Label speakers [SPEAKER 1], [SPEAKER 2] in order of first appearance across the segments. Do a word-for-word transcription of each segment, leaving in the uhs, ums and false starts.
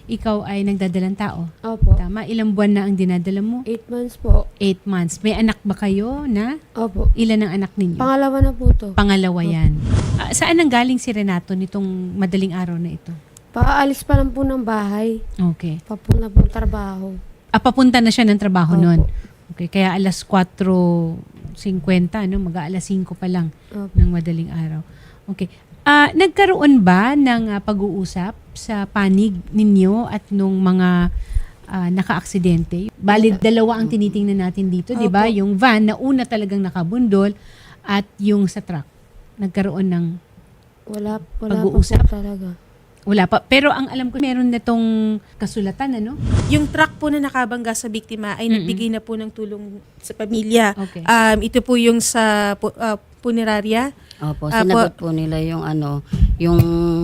[SPEAKER 1] ikaw ay nagdadalang tao.
[SPEAKER 2] Opo.
[SPEAKER 1] Tama? Ilang buwan na ang dinadala mo?
[SPEAKER 2] Eight months po.
[SPEAKER 1] Eight months. May anak ba kayo na?
[SPEAKER 2] Opo.
[SPEAKER 1] Ilan ang anak ninyo?
[SPEAKER 2] Pangalawa na po to.
[SPEAKER 1] Pangalawa yan. Ah, saan ang galing si Renato nitong madaling araw na ito?
[SPEAKER 2] Pakaalis pa lang po ng bahay.
[SPEAKER 1] Okay.
[SPEAKER 2] Papunta po trabaho.
[SPEAKER 1] Ah, papunta na siya ng trabaho
[SPEAKER 2] Opo.
[SPEAKER 1] noon. Okay, kaya alas kwatro singkwenta, no? Mag-aalas singko pa lang
[SPEAKER 2] Opo.
[SPEAKER 1] ng madaling araw. Okay. Ah, nagkaroon ba ng ah, pag-uusap sa panig ninyo at nung mga ah, naka-aksidente? Bali, dalawa ang tinitingnan natin dito, di ba?
[SPEAKER 2] Opo.
[SPEAKER 1] Yung van na una talagang nakabundol at yung sa truck. Nagkaroon ng
[SPEAKER 2] Wala, wala
[SPEAKER 1] Pag-uusap?
[SPEAKER 2] pa po talaga.
[SPEAKER 1] wala pa. Pero ang alam ko, meron na tong kasulatan, ano?
[SPEAKER 3] Yung truck po na nakabangga sa biktima ay
[SPEAKER 1] Mm-mm.
[SPEAKER 3] nagbigay na po ng tulong sa pamilya.
[SPEAKER 1] Okay.
[SPEAKER 3] Um, ito po yung sa pu- ah, punerarya.
[SPEAKER 4] Opo,
[SPEAKER 3] Ah,
[SPEAKER 4] sinagot po nila yung ano, yung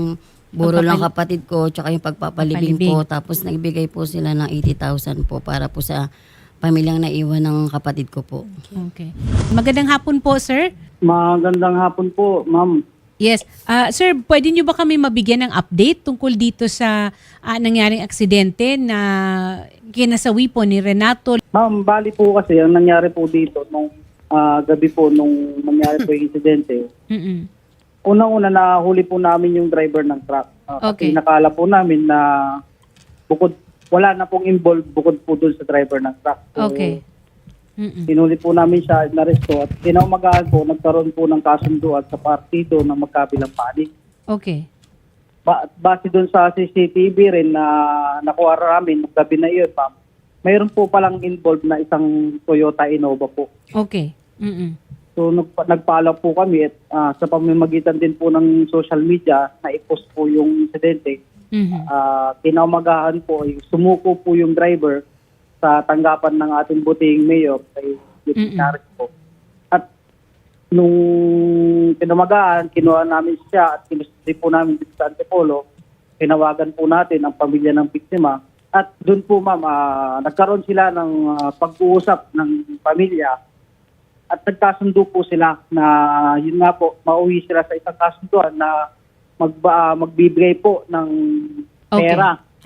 [SPEAKER 4] buro ng
[SPEAKER 1] Pagpapal-
[SPEAKER 4] kapatid ko, tsaka yung pagpapalibing
[SPEAKER 1] Pagpalibing.
[SPEAKER 4] po. Tapos nagbigay po sila ng eighty thousand po para po sa pamilyang naiwan ng kapatid ko po.
[SPEAKER 1] Okay. Magandang hapon po, sir.
[SPEAKER 5] Magandang hapon po, ma'am.
[SPEAKER 1] Yes. Ah, sir, pwede niyo ba kami mabigyan ng update tungkol dito sa ah, nangyaring aksidente na kinasawi po ni Renato?
[SPEAKER 5] Ma'am, bali po kasi ang nangyari po dito nung ah, gabi po nung nangyari po yung insidente.
[SPEAKER 1] Mm-mm.
[SPEAKER 5] Unang-una nahuli po namin yung driver ng truck. Ah,
[SPEAKER 1] Okay.
[SPEAKER 5] Kasi nakala po namin na bukod wala na pong involved bukod po dun sa driver ng truck. So,
[SPEAKER 1] Okay. Mm-mm.
[SPEAKER 5] Pinuli po namin siya, naresto at kinaumagahan po, nagkaroon po ng kasunduan sa partido ng magkabilang panig.
[SPEAKER 1] Okay.
[SPEAKER 5] Ba- base doon sa C C T V rin na nakuha namin nung gabi na iyon, ma'am, mayroon po palang involved na isang Toyota Innova po.
[SPEAKER 1] Okay. Mm-mm.
[SPEAKER 5] So nagpa- nagpaalam po kami at ah, sa pamamagitan din po ng social media na i-post po yung insidente.
[SPEAKER 1] Mhm.
[SPEAKER 5] Uh, kinaumagahan po, ay sumuko po yung driver sa tanggapan ng ating buting mayor kay
[SPEAKER 1] Mm-mm.
[SPEAKER 5] Gutierrez po. At nung kinumagahan, kinuha namin siya at kinustri po namin dito sa Antipolo. Tinawagan po natin ang pamilya ng biktima. At doon po ma'am, ah, nagkaroon sila ng ah, pag-uusap ng pamilya at nagkasundo po sila na yun nga po, mauwi sila sa isang kasunduan na magba, magbibigay po ng
[SPEAKER 1] Okay.
[SPEAKER 5] pera si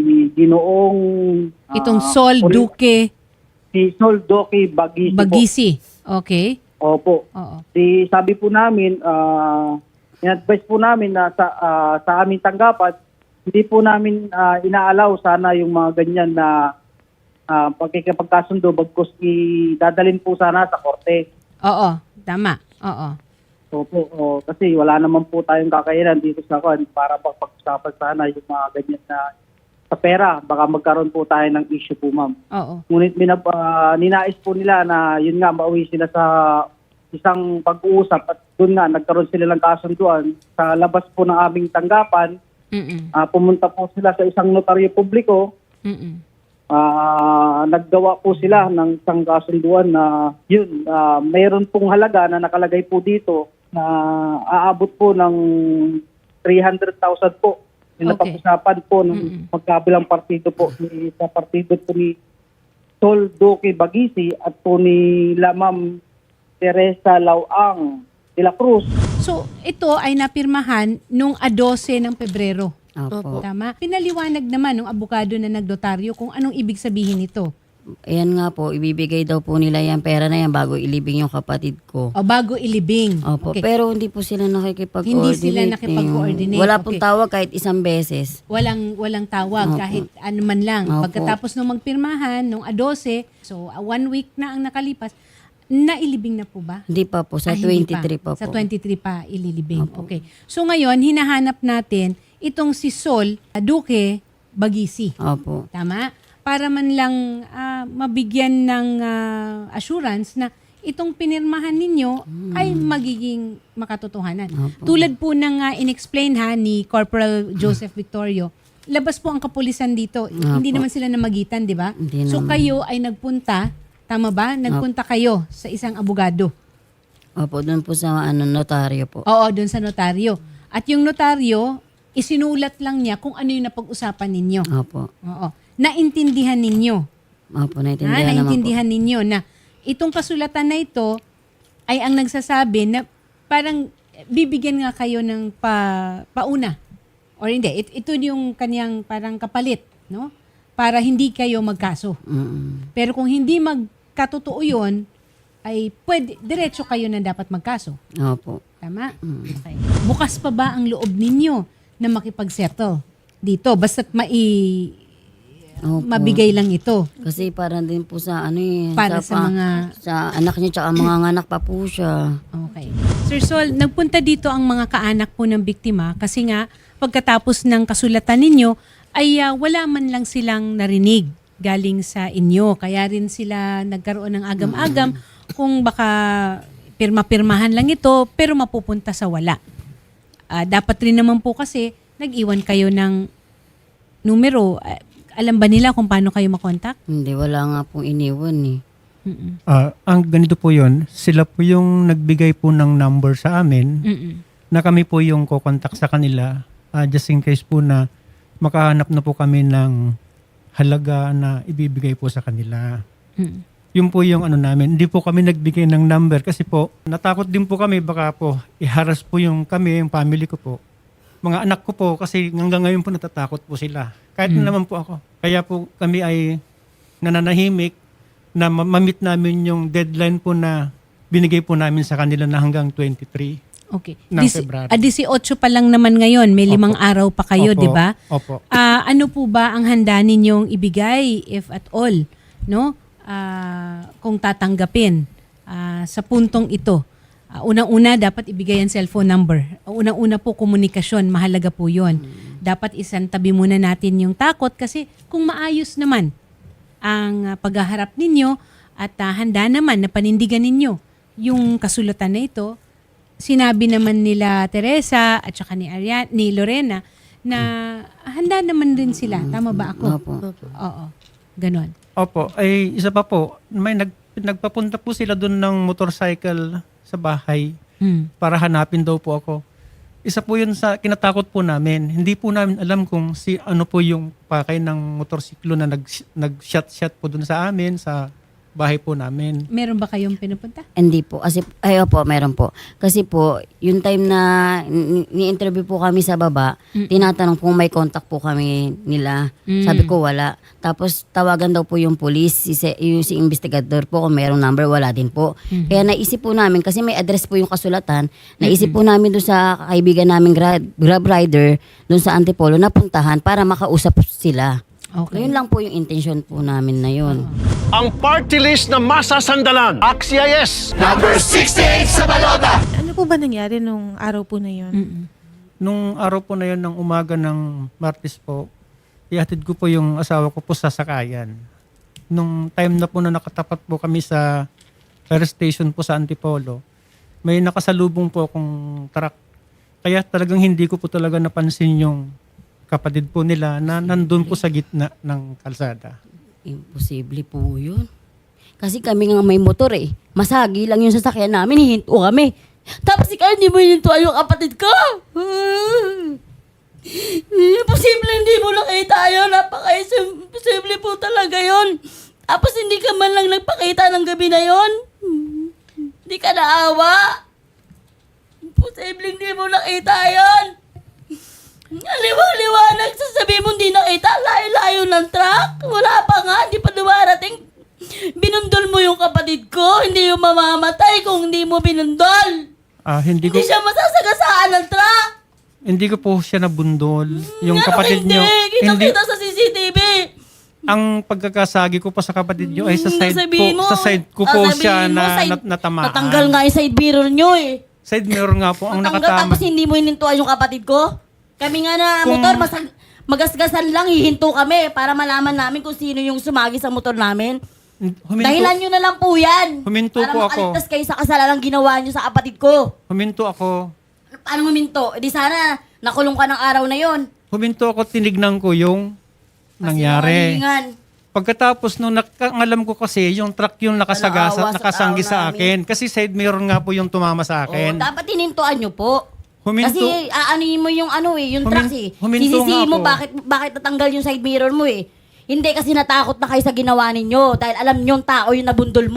[SPEAKER 5] Ginoong ah,
[SPEAKER 1] Itong Sol
[SPEAKER 5] Uri-
[SPEAKER 1] Duque
[SPEAKER 5] si Sol Duque Bagisi, po.
[SPEAKER 1] Bagisi. Okay.
[SPEAKER 5] Opo.
[SPEAKER 1] Oo.
[SPEAKER 5] Si sabi po namin, ah in-advise po namin na sa ah, sa aming tanggapan, hindi po namin ah, inaalaw sana yung mga ganyan na uh, pagkikipagkasundo bagkus idadalin po sana sa korte.
[SPEAKER 1] Oo. Tama. Oo.
[SPEAKER 5] Opo, oh, kasi wala naman po tayong kakayanan dito sa kwan para pag-usapan sana yung mga ganyan na sa pera. Baka magkaroon po tayo ng issue po, ma'am.
[SPEAKER 1] Oo.
[SPEAKER 5] Ngunit minab, ah, ninais po nila na yun nga, mauwi sila sa isang pag-uusap at doon nga, nagkaroon sila ng kasunduan sa labas po ng aming tanggapan.
[SPEAKER 1] Mm-mm.
[SPEAKER 5] Ah, pumunta po sila sa isang notaryo publiko.
[SPEAKER 1] Mm-mm.
[SPEAKER 5] Ah, naggawa po sila ng isang kasunduan na yun, ah, mayroon pong halaga na nakalagay po dito na aabot po ng three hundred thousand po. Yung
[SPEAKER 1] Okay.
[SPEAKER 5] napag-usapan po ng
[SPEAKER 1] Mm-mm.
[SPEAKER 5] magkabilang partido po ni, sa partido po ni Sol Duque Bagisi at po ni La Ma'am Teresa Lauang de la Cruz.
[SPEAKER 1] So, ito ay napirmahan nung a twelve ng Pebrero.
[SPEAKER 4] Opo.
[SPEAKER 1] Tama? Pinaliwanag naman ng abogado na nagdotaryo kung anong ibig sabihin nito.
[SPEAKER 4] Ayan nga po, ibibigay daw po nila yung pera na yan bago ilibing yung kapatid ko.
[SPEAKER 1] O bago ilibing.
[SPEAKER 4] Opo,
[SPEAKER 1] Okay.
[SPEAKER 4] pero hindi po sila nakikipag-coordinate.
[SPEAKER 1] Hindi sila nakipag-coordinate.
[SPEAKER 4] Wala pong
[SPEAKER 1] Okay.
[SPEAKER 4] tawag kahit isang beses.
[SPEAKER 1] Walang walang tawag
[SPEAKER 4] Opo.
[SPEAKER 1] kahit ano man lang.
[SPEAKER 4] Opo.
[SPEAKER 1] Pagkatapos nung magpirmahan nung a twelve, so uh, one week na ang nakalipas, nailibing na po ba?
[SPEAKER 4] Hindi pa po, sa
[SPEAKER 1] Ah, hindi
[SPEAKER 4] twenty-three pa, po.
[SPEAKER 1] Sa twenty-three pa ililibing.
[SPEAKER 4] Opo.
[SPEAKER 1] Okay. So ngayon, hinahanap natin itong si Sol Duque Bagisi.
[SPEAKER 4] Opo.
[SPEAKER 1] Tama? Para man lang ah, mabigyan ng ah, assurance na itong pinirmahan ninyo ay magiging makatotohanan.
[SPEAKER 4] Opo.
[SPEAKER 1] Tulad po ng ah, inexplain ha ni Corporal Joseph Victorio, labas po ang kapulisan dito. Hindi naman sila namagitan, di ba?
[SPEAKER 4] Hindi
[SPEAKER 1] So
[SPEAKER 4] naman.
[SPEAKER 1] kayo ay nagpunta, tama ba? Nagpunta kayo sa isang abogado.
[SPEAKER 4] Opo, doon po sa ano, notaryo po.
[SPEAKER 1] Oo, doon sa notaryo. At yung notaryo, isinulat lang niya kung ano yung napag-usapan ninyo.
[SPEAKER 4] Opo.
[SPEAKER 1] Oo. Naintindihan ninyo.
[SPEAKER 4] Opo,
[SPEAKER 1] Ha?
[SPEAKER 4] naintindihan naman po.
[SPEAKER 1] Naintindihan ninyo na itong kasulatan na ito ay ang nagsasabi na parang bibigyan nga kayo ng pa, pauna Or hindi, it, ito yung kanyang parang kapalit, no? Para hindi kayo magkaso.
[SPEAKER 4] Mm-mm.
[SPEAKER 1] Pero kung hindi magkatotoo yun, ay pwede, diretso kayo na dapat magkaso.
[SPEAKER 4] Opo.
[SPEAKER 1] Tama? Okay. Bukas pa ba ang loob ninyo na makipag-settle dito? Basta't mai,
[SPEAKER 4] Opo.
[SPEAKER 1] mabigay lang ito.
[SPEAKER 4] Kasi para din po sa ano eh.
[SPEAKER 1] Para sa
[SPEAKER 4] pa-
[SPEAKER 1] mga-
[SPEAKER 4] Sa anak niya, tsaka mga anak pa po siya.
[SPEAKER 1] Okay. Sir Sol, nagpunta dito ang mga kaanak po ng biktima kasi nga pagkatapos ng kasulatan ninyo ay ah, wala man lang silang narinig galing sa inyo. Kaya rin sila nagkaroon ng agam-agam kung baka pirma-pirmahan lang ito pero mapupunta sa wala. Ah, dapat rin naman po kasi nag-iwan kayo ng numero. Ah, alam ba nila kung paano kayo makontak?
[SPEAKER 4] Hindi, wala nga pong iniwan eh.
[SPEAKER 1] Mm-mm.
[SPEAKER 6] Ah, ang ganito po yon, sila po yung nagbigay po ng number sa amin
[SPEAKER 1] Mm-mm.
[SPEAKER 6] na kami po yung kukontak sa kanila ah, just in case po na makahanap na po kami ng halaga na ibibigay po sa kanila.
[SPEAKER 1] Mm-mm.
[SPEAKER 6] Yun po yung ano namin. Hindi po kami nagbigay ng number kasi po natakot din po kami baka po iharas po yung kami, yung family ko po. Mga anak ko po kasi hanggang ngayon po natatakot po sila. Kahit na naman po ako. Kaya po kami ay nananahimik na ma- mamit namin yung deadline po na binigay po namin sa kanila na hanggang twenty-three.
[SPEAKER 1] Okay.
[SPEAKER 6] Ng
[SPEAKER 1] Dis-
[SPEAKER 6] February.
[SPEAKER 1] ah, eighteen pa lang naman ngayon. May limang
[SPEAKER 6] Opo.
[SPEAKER 1] araw pa kayo,
[SPEAKER 6] Opo.
[SPEAKER 1] di ba?
[SPEAKER 6] Opo.
[SPEAKER 1] Ah, ano po ba ang handa ninyong ibigay, if at all, no? Ah, kung tatanggapin ah, sa puntong ito? Ah, unang-una, dapat ibigay ang cellphone number. Unang-una po, komunikasyon. Mahalaga po yon. Dapat isantabi muna natin yung takot kasi kung maayos naman ang ah, paghaharap ninyo at ah, handa naman na panindigan ninyo yung kasulatan na ito, sinabi naman nila Teresa at saka ni Arian, ni Lorena na handa naman din sila. Tama ba ako?
[SPEAKER 4] Opo.
[SPEAKER 1] Oo. Ganon.
[SPEAKER 6] Opo. Ay, isa pa po. May nag, nagpapunta po sila doon ng motorcycle sa bahay
[SPEAKER 1] Hmm.
[SPEAKER 6] para hanapin daw po ako. Isa po yun sa kinatakot po namin. Hindi po namin alam kung si ano po yung pakay ng motorsiklo na nag, nag-shot-shot po doon sa amin, sa bahay po namin.
[SPEAKER 1] Meron ba kayong pinupunta?
[SPEAKER 4] Hindi po. Kasi, ay opo, meron po. Kasi po, yung time na ni- ni-interview po kami sa baba, tinatanong kung may contact po kami nila.
[SPEAKER 1] Mm.
[SPEAKER 4] Sabi ko wala. Tapos tawagan daw po yung police, si, se- yung si investigador po kung mayroong number, wala din po. Kaya naisip po namin, kasi may address po yung kasulatan, naisip po namin doon sa kaibigan namin grab, grab rider, doon sa Antipolo, na puntahan para makausap sila.
[SPEAKER 1] Okay.
[SPEAKER 4] Yun lang po yung intention po namin na yun.
[SPEAKER 7] Ang party list na masasandalan. AXIS!
[SPEAKER 3] Ano po ba nangyari nung araw po na yun?
[SPEAKER 1] Mm-mm.
[SPEAKER 6] Nung araw po na yun, ng umaga ng Martes po, ihatid ko po yung asawa ko po sa sakayan. Nung time na po na nakatapat po kami sa fire station po sa Antipolo, may nakasalubong po akong truck. Kaya talagang hindi ko po talaga napansin yung kapatid po nila na nandun po sa gitna ng kalsada.
[SPEAKER 4] Imposible po yun. Kasi kami nga may motor eh. Masagi lang yung sasakyan namin, hihinto kami. Tapos ikaw hindi mo hihintuan yung kapatid ko. Imposible hindi mo nakita yun. Napaka-imposible po talaga yun. Tapos hindi ka man lang nagpakita ng gabi na yun. Hindi ka naawa. Imposible hindi mo nakita yun. Liwa-liwanag, sasabihin mo hindi nakita, layo-layo ng truck. Wala pa nga, hindi pa dumarating. Binundol mo yung kapatid ko, hindi yung mamamatay kung hindi mo binundol.
[SPEAKER 6] Ah, hindi ko
[SPEAKER 4] Hindi siya masasagasaan ng truck.
[SPEAKER 6] hindi ko po siya nabundol. Yung
[SPEAKER 4] Ano
[SPEAKER 6] kapatid
[SPEAKER 4] hindi?
[SPEAKER 6] niyo, hindi
[SPEAKER 4] Kita-kita sa C C T V.
[SPEAKER 6] ang pagkakasagi ko pa sa kapatid niyo ay sa side po,
[SPEAKER 4] Sabihin mo,
[SPEAKER 6] sa side ko
[SPEAKER 4] ah,
[SPEAKER 6] po
[SPEAKER 4] sabihin
[SPEAKER 6] siya
[SPEAKER 4] mo,
[SPEAKER 6] na
[SPEAKER 4] side-
[SPEAKER 6] nat- natamaan.
[SPEAKER 4] Natanggal nga yung side mirror nyo eh.
[SPEAKER 6] Side mirror nga po ang
[SPEAKER 4] Natanggal
[SPEAKER 6] nakatama.
[SPEAKER 4] tapos hindi mo hinintuan yung kapatid ko. Kami nga na
[SPEAKER 6] Kung-
[SPEAKER 4] motor, masag- magasgasan lang, hihinto kami para malaman namin kung sino yung sumagi sa motor namin.
[SPEAKER 6] Huminto,
[SPEAKER 4] Dahilan nyo na lang po yan.
[SPEAKER 6] Huminto
[SPEAKER 4] para
[SPEAKER 6] po ako.
[SPEAKER 4] makaligtas kayo sa kasalanan ginawa nyo sa kapatid ko.
[SPEAKER 6] huminto ako.
[SPEAKER 4] Paano huminto? E di sana, nakulong ka ng araw na yon.
[SPEAKER 6] Huminto ako, tinignan ko yung nangyari. Pagkatapos nung nakangalam ko kasi, yung truck yung nakasagasa,
[SPEAKER 4] Naawa sa
[SPEAKER 6] nakasanggi
[SPEAKER 4] tao
[SPEAKER 6] sa
[SPEAKER 4] namin.
[SPEAKER 6] akin. Kasi side mirror nga po yung tumama sa
[SPEAKER 4] Oh,
[SPEAKER 6] akin.
[SPEAKER 4] dapat hinintuan nyo po.
[SPEAKER 6] Huminto.
[SPEAKER 4] Kasi aanuhin mo yung ano eh, yung
[SPEAKER 6] Humin-
[SPEAKER 4] trucks eh.
[SPEAKER 6] huminto
[SPEAKER 4] Sisisihin
[SPEAKER 6] nga
[SPEAKER 4] mo
[SPEAKER 6] ako.
[SPEAKER 4] bakit, bakit natanggal yung side mirror mo eh. Hindi kasi natakot na kayo sa ginawa ninyo dahil alam nyo yung tao yung nabundol mo.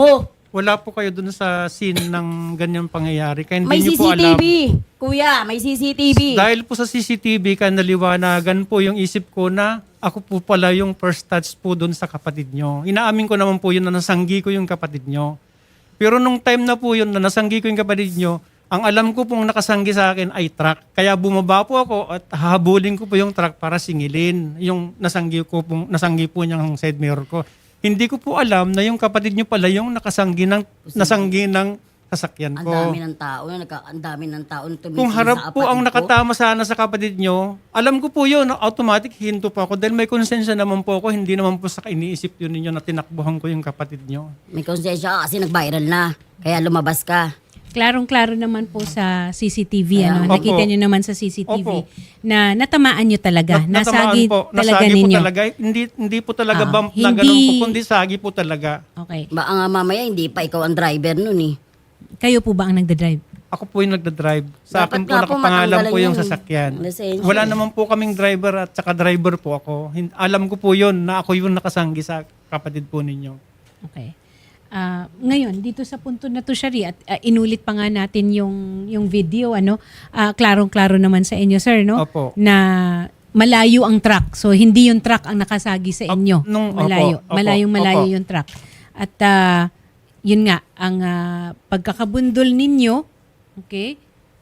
[SPEAKER 6] Wala po kayo dun sa scene ng ganyang pangyayari. Kaya hindi
[SPEAKER 4] May
[SPEAKER 6] niyo
[SPEAKER 4] C
[SPEAKER 6] po
[SPEAKER 4] C T
[SPEAKER 6] alam.
[SPEAKER 4] V. Kuya, may C C T V.
[SPEAKER 6] Dahil po sa C C T V, kaya naliwanagan po yung isip ko na ako po pala yung first touch po dun sa kapatid nyo. Inaamin ko naman po yun na nasanggi ko yung kapatid nyo. Pero nung time na po yun na nasanggi ko yung kapatid nyo, ang alam ko pong nakasanggi sa akin ay truck. Kaya bumaba po ako at hahabulin ko po yung truck para singilin yung nasanggi ko pong, nasanggi po niyang side mirror ko. Hindi ko po alam na yung kapatid nyo pala yung nakasanggi ng, nasanggi ng sasakyan
[SPEAKER 4] Ang
[SPEAKER 6] ko.
[SPEAKER 4] dami ng tao, nagka, ang dami ng tao na tumitingin
[SPEAKER 6] Kung
[SPEAKER 4] sa
[SPEAKER 6] harap po ang
[SPEAKER 4] kapatid ko.
[SPEAKER 6] nakatama sana sa kapatid nyo, alam ko po yun, automatic hinto po ako dahil may konsensya naman po ako, hindi naman po sa iniisip yun ninyo na tinakbuhan ko yung kapatid nyo.
[SPEAKER 4] May konsensya ka kasi nag-viral na. Kaya lumabas ka.
[SPEAKER 1] Klarong-klaro naman po sa C C T V. Ano?
[SPEAKER 6] Opo.
[SPEAKER 1] Nakita nyo naman sa C C T V
[SPEAKER 6] Opo.
[SPEAKER 1] na natamaan nyo talaga.
[SPEAKER 6] Nat- natamaan
[SPEAKER 1] Nasagi
[SPEAKER 6] po,
[SPEAKER 1] talaga
[SPEAKER 6] nasagi
[SPEAKER 1] ninyo.
[SPEAKER 6] po talaga. Hindi, hindi po talaga
[SPEAKER 1] Ah,
[SPEAKER 6] bump na
[SPEAKER 1] hindi-
[SPEAKER 6] ganun po, kundi sagi po talaga.
[SPEAKER 1] Okay.
[SPEAKER 4] Baka nga mamaya hindi pa ikaw ang driver nun eh.
[SPEAKER 1] Kayo po ba ang nagda-drive?
[SPEAKER 6] Ako po yung nagda-drive. Sa
[SPEAKER 4] Dapat
[SPEAKER 6] akin po
[SPEAKER 4] nga po
[SPEAKER 6] nakapangalan
[SPEAKER 4] matanggalan
[SPEAKER 6] po yung
[SPEAKER 4] yung
[SPEAKER 6] sasakyan.
[SPEAKER 4] lisensya.
[SPEAKER 6] Wala naman po kaming driver at saka driver po ako. Hin- Alam ko po yun na ako yung nakasanggi sa kapatid po ninyo.
[SPEAKER 1] Okay. Ah, ngayon, dito sa punto na to, Shari, at ah, inulit pa nga natin yung, yung video, ano, ah, klarong-klaro naman sa inyo, sir, no?
[SPEAKER 6] Opo.
[SPEAKER 1] Na malayo ang truck. So, hindi yung truck ang nakasagi sa inyo.
[SPEAKER 6] Op- nung-
[SPEAKER 1] malayo.
[SPEAKER 6] opo, opo,
[SPEAKER 1] Malayong malayo
[SPEAKER 6] opo.
[SPEAKER 1] yung truck. At ah, yun nga, ang ah, pagkakabundol ninyo, okay,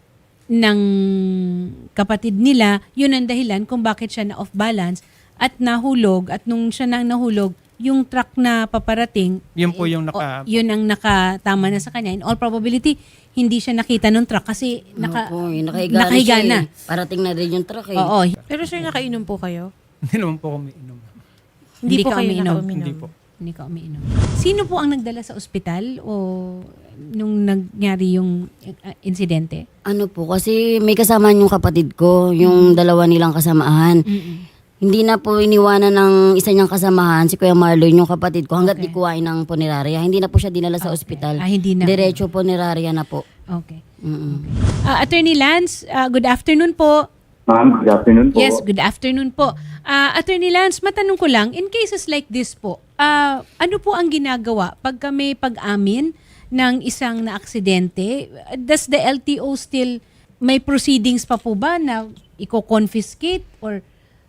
[SPEAKER 1] ng kapatid nila, yun ang dahilan kung bakit siya na off balance at nahulog. At nung siya nang nahulog, yung truck na paparating,
[SPEAKER 6] Yun po yung
[SPEAKER 1] o,
[SPEAKER 6] naka...
[SPEAKER 1] yun ang nakatama na sa kanya. In all probability, hindi siya nakita ng truck kasi naka,
[SPEAKER 4] Opo, yun, nakahiga,
[SPEAKER 1] nakahiga
[SPEAKER 4] na. siya
[SPEAKER 1] na.
[SPEAKER 4] eh. Parating na rin yung truck eh.
[SPEAKER 1] Oo.
[SPEAKER 3] Pero sir, nakainom po kayo?
[SPEAKER 6] Hindi naman po kami inom.
[SPEAKER 1] Hindi
[SPEAKER 3] po
[SPEAKER 1] ka
[SPEAKER 3] kayo
[SPEAKER 1] umiinom.
[SPEAKER 3] nakauminom?
[SPEAKER 6] Hindi po.
[SPEAKER 1] Hindi ka umiinom. Sino po ang nagdala sa ospital o nung nangyari yung uh, insidente?
[SPEAKER 4] Ano po, kasi may kasamahan yung kapatid ko, yung dalawa nilang kasamahan. Hindi na po iniwanan ng isa niyang kasamahan, si Kuya Marlon, yung kapatid ko, hanggat
[SPEAKER 1] Okay.
[SPEAKER 4] di kuhain ng punerarya. Hindi na po siya dinala sa
[SPEAKER 1] Okay.
[SPEAKER 4] ospital.
[SPEAKER 1] Ah, hindi na.
[SPEAKER 4] Diretso punerarya na po.
[SPEAKER 1] Okay.
[SPEAKER 4] Mm-mm.
[SPEAKER 1] Ah, Attorney Lance, ah, good afternoon po.
[SPEAKER 8] Ma'am, good afternoon po.
[SPEAKER 1] Yes, good afternoon po. Ah, Attorney Lance, matanong ko lang, in cases like this po, ah, ano po ang ginagawa pag may pag-amin ng isang na-aksidente? Does the L T O still, may proceedings pa po ba na i-confiscate or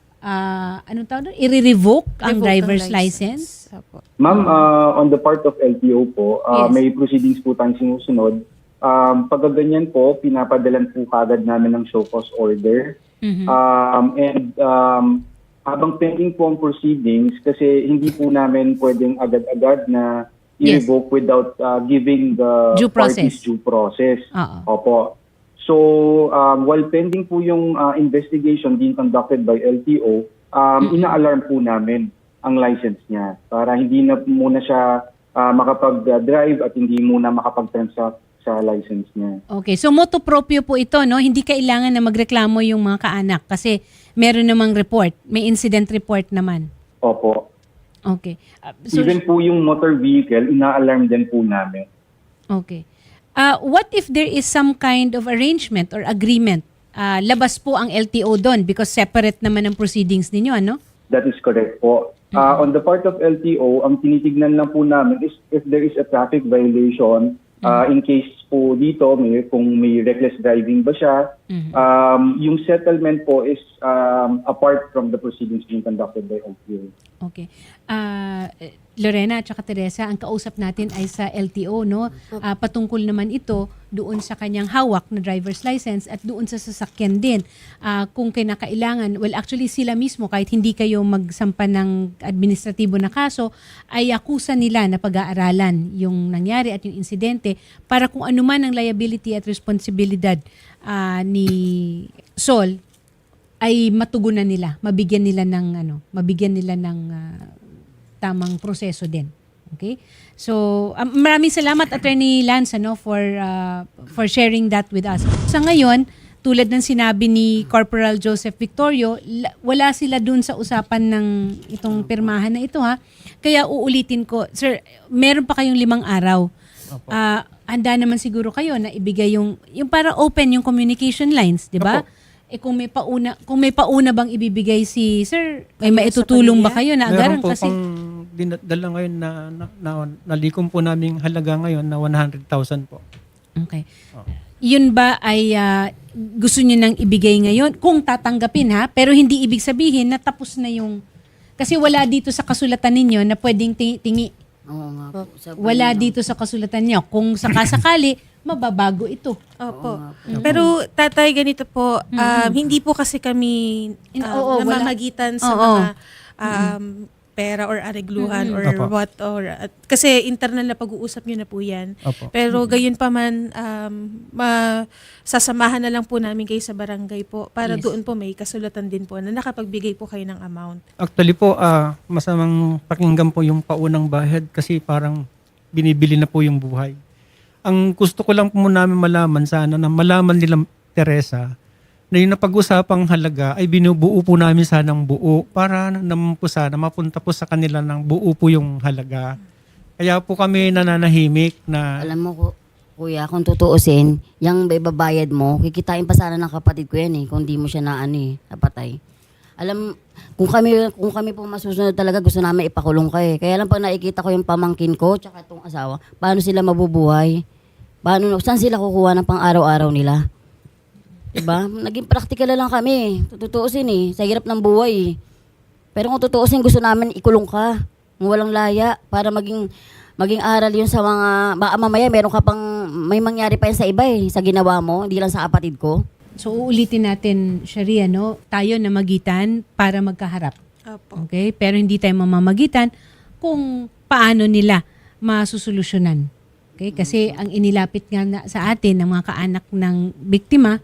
[SPEAKER 1] ah, anong tawag doon? I-revoke ang
[SPEAKER 3] Revoke ng
[SPEAKER 1] driver's license?
[SPEAKER 3] Apo.
[SPEAKER 8] Ma'am, uh, on the part of L T O po, uh,
[SPEAKER 1] Yes.
[SPEAKER 8] may proceedings po tayong sinusunod. Um, pag ganyan po, pinapadalan po kagad namin ng show cause order.
[SPEAKER 1] Mhm.
[SPEAKER 8] Um, and um, habang pending po ang proceedings, kasi hindi po namin pwedeng agad-agad na
[SPEAKER 1] Yes.
[SPEAKER 8] i-revoke without uh, giving the
[SPEAKER 1] Due process.
[SPEAKER 8] parties due process.
[SPEAKER 1] Oo.
[SPEAKER 8] Opo. So, um, while pending po yung uh, investigation being conducted by L T O, um, ina-alarm po namin ang license niya para hindi na muna siya uh, makapag-drive at hindi muna makapag-transact sa license niya.
[SPEAKER 1] Okay, so motu proprio po ito, no? Hindi kailangan na magreklamo yung mga kaanak kasi meron namang report, may incident report naman.
[SPEAKER 8] Opo.
[SPEAKER 1] Okay. Uh, so,
[SPEAKER 8] Even po yung motor vehicle, ina-alarm din po namin.
[SPEAKER 1] okay. Uh, what if there is some kind of arrangement or agreement? Uh, labas po ang L T O doon because separate naman ang proceedings ninyo, ano?
[SPEAKER 8] That is correct po. Uh, on the part of L T O, ang tinitignan lang po namin is if there is a traffic violation, uh, in case po dito, may, kung may reckless driving ba siya, um, yung settlement po is um, apart from the proceedings being conducted by L T O.
[SPEAKER 1] Okay. Uh, Lorena at saka Teresa, ang kausap natin ay sa L T O, no? Uh, patungkol naman ito doon sa kanyang hawak na driver's license at doon sa sasakyan din. Uh, kung kinakailangan, well actually sila mismo kahit hindi kayo magsampa ng administratibo na kaso, ay akusa nila na pag-aaralan yung nangyari at yung insidente para kung ano man ang liability at responsibilidad uh, ni Sol ay matugunan nila, mabigyan nila ng ano, mabigyan nila ng ah, tamang proseso din. Okay? So, um, maraming salamat Attorney Lance ano for ah, for sharing that with us. Sa ngayon, tulad ng sinabi ni Corporal Joseph Victorio, la- wala sila dun sa usapan ng itong pirmahan na ito ha. Kaya uulitin ko, sir, meron pa kayong limang araw. Ah, handa naman siguro kayo na ibigay yung yung para open yung communication lines, 'di ba?
[SPEAKER 6] Opo.
[SPEAKER 1] Eh kung may pauna, kung may pauna bang ibibigay si sir, may
[SPEAKER 3] Kayo sa
[SPEAKER 1] maitutulong ba
[SPEAKER 3] pamilya?
[SPEAKER 1] kayo na
[SPEAKER 6] Meron
[SPEAKER 1] agaran
[SPEAKER 6] po
[SPEAKER 1] kasi
[SPEAKER 6] pang dinadala ngayon na, na, na nalikom po namin halaga ngayon na one hundred thousand po.
[SPEAKER 1] Okay. Yun ba ay ah, gusto niyo nang ibigay ngayon? Kung tatanggapin ha, pero hindi ibig sabihin na tapos na yung... Kasi wala dito sa kasulatan ninyo na pwedeng ti- tingi.
[SPEAKER 4] Oo nga po. Sabi
[SPEAKER 1] Wala
[SPEAKER 4] niya.
[SPEAKER 1] dito sa kasulatan niyo. Kung sakasakali, mababago ito.
[SPEAKER 3] Opo. Pero tatay, ganito po, um, hindi po kasi kami
[SPEAKER 1] In-
[SPEAKER 3] um,
[SPEAKER 1] oo, wala.
[SPEAKER 3] namamagitan sa
[SPEAKER 1] Oo.
[SPEAKER 3] mga um, pera or aregluhan or
[SPEAKER 6] Opo.
[SPEAKER 3] what. or at, Kasi internal na pag-uusap nyo na po yan.
[SPEAKER 6] Opo.
[SPEAKER 3] Pero gayon pa man, um, ma- sasamahan na lang po namin kayo sa barangay po para
[SPEAKER 1] Yes.
[SPEAKER 3] doon po may kasulatan din po na nakapagbigay po kayo ng amount.
[SPEAKER 6] Actually po, ah, masamang pakinggan po yung paunang bahid kasi parang binibili na po yung buhay. Ang gusto ko lang po namin malaman sana na malaman nila Teresa na yung napag-usapang halaga ay binubuo po namin sanang buo para naman po sana mapunta po sa kanila ng buo po yung halaga. Kaya po kami nananahimik na
[SPEAKER 4] Alam mo, ku- kuya, kung tutuusin, yung ibabayad mo, kikitain pa sana ng kapatid ko yan eh, kung di mo siya na ano eh, napatay. Alam, kung kami kung kami po masusunod talaga, gusto namin ipakulong ka eh. Kaya lang pag nakikita ko yung pamangkin ko, tsaka itong asawa, paano sila mabubuhay? Paano, saan sila kukuha ng pang-araw-araw nila? Diba? Naging practical na lang kami. Tutuusin eh. Sa hirap ng buhay eh. Pero kung tutuusin, gusto namin ikulong ka. Ng walang laya. Para maging maging aral yun sa mga... Baka mamaya meron ka pang... May mangyari pa yan sa iba eh. Sa ginawa mo. Hindi lang sa kapatid ko.
[SPEAKER 1] So uulitin natin, Sharia, no? Tayo na magitan para magkaharap.
[SPEAKER 3] Opo.
[SPEAKER 1] Okay? Pero hindi tayo mamamagitan kung paano nila masusolusyonan. Okay? Kasi ang inilapit nga na sa atin ng mga kaanak ng biktima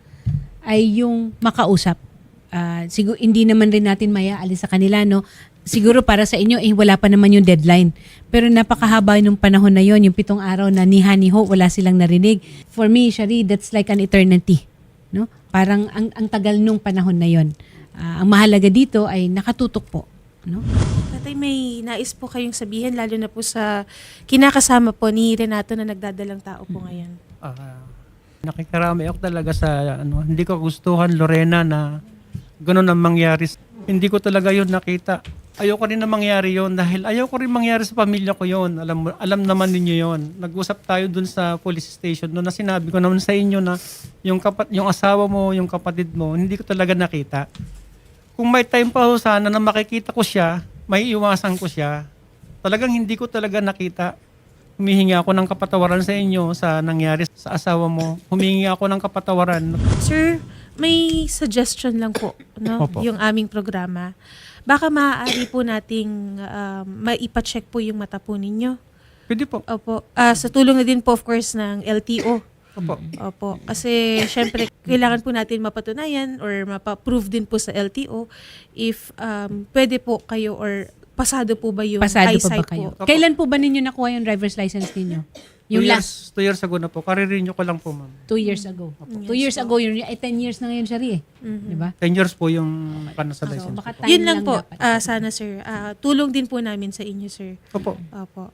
[SPEAKER 1] ay yung makausap. Ah, siguro hindi naman rin natin mayaalis sa kanila, no? Siguro para sa inyo, eh, wala pa naman yung deadline. Pero napakahaba nung panahon na yon, yung pitong araw na niha-niho, wala silang narinig. For me, Shari, that's like an eternity. No? Parang ang, ang tagal nung panahon na yon. Ah, ang mahalaga dito ay nakatutok po. No?
[SPEAKER 3] Tatay, may nais po kayong sabihin, lalo na po sa kinakasama po ni Renato na nagdadalang tao po ngayon.
[SPEAKER 6] ah, nakikarami ako talaga sa ano, hindi ko gustuhan Lorena na gano'n ang mangyari. Hindi ko talaga yun nakita. Ayoko rin na mangyari yun dahil ayoko rin mangyari sa pamilya ko yun. Alam, mo- alam naman ninyo yun. Nag-usap tayo dun sa police station no, na sinabi ko naman sa inyo na yung, kapat, yung asawa mo, yung kapatid mo, hindi ko talaga nakita. Kung may time pa ho sana na makikita ko siya, may iwasan ko siya, talagang hindi ko talaga nakita. Humihingi ako ng kapatawaran sa inyo sa nangyari sa asawa mo. Humingi ako ng kapatawaran.
[SPEAKER 3] Sir, may suggestion lang po, no?
[SPEAKER 6] Opo.
[SPEAKER 3] Yung aming programa. Baka maaari po nating um, maipacheck po yung mata po ninyo.
[SPEAKER 6] Pwede po.
[SPEAKER 3] Opo. Ah, sa tulong na din po, of course, ng L T O.
[SPEAKER 6] Opo.
[SPEAKER 3] Opo. Kasi, syempre, kailangan po natin mapatunayan or mapa-prove din po sa L T O if um, pwede po kayo or pasado po ba yung
[SPEAKER 1] Pasado pa ba
[SPEAKER 3] eyesight
[SPEAKER 1] kayo?
[SPEAKER 3] po.
[SPEAKER 1] Kailan po ba ninyo nakuha yung driver's license ninyo? Yung
[SPEAKER 6] two
[SPEAKER 1] last,
[SPEAKER 6] years, two years ago na po. Karirinyo ko lang po, ma'am.
[SPEAKER 1] two years ago. Two years ago, yun, ay ten years na ngayon, Shari, eh. Di ba?
[SPEAKER 6] ten years po yung kanasa
[SPEAKER 1] So,
[SPEAKER 6] license
[SPEAKER 1] baka
[SPEAKER 6] ko.
[SPEAKER 1] time
[SPEAKER 3] Yun lang po,
[SPEAKER 1] dapat.
[SPEAKER 3] ah, sana sir. Ah, tulong din po namin sa inyo, sir.
[SPEAKER 6] Opo.
[SPEAKER 3] Opo.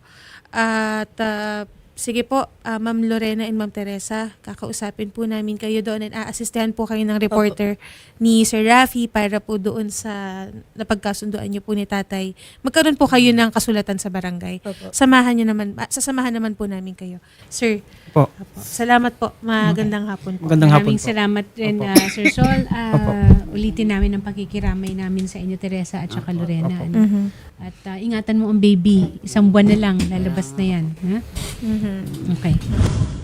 [SPEAKER 3] At ah, sige po, ah, Ma'am Lorena and Ma'am Teresa, kakausapin po namin kayo doon at aasistehan po kayo ng reporter ni Sir Rafi para po doon sa napagkasunduan niyo po ni tatay. Magkaroon po kayo ng kasulatan sa barangay. Samahan niyo naman, ah, sasamahan naman po namin kayo. Sir,
[SPEAKER 6] Opo.
[SPEAKER 3] opo. Salamat po. Magandang hapon po.
[SPEAKER 6] Magandang hapon
[SPEAKER 1] Maraming
[SPEAKER 6] po.
[SPEAKER 1] salamat rin,
[SPEAKER 6] Opo.
[SPEAKER 1] ah, Sir Sol. Ah,
[SPEAKER 6] Opo.
[SPEAKER 1] ulitin namin ang pakikiramay namin sa inyo, Teresa, at saka Lorena.
[SPEAKER 6] Opo.
[SPEAKER 1] ano.
[SPEAKER 3] Mhm.
[SPEAKER 1] At ah, ingatan mo ang baby. Isang buwan na lang, lalabas na yan. Ha?
[SPEAKER 3] Mhm.
[SPEAKER 1] Okay.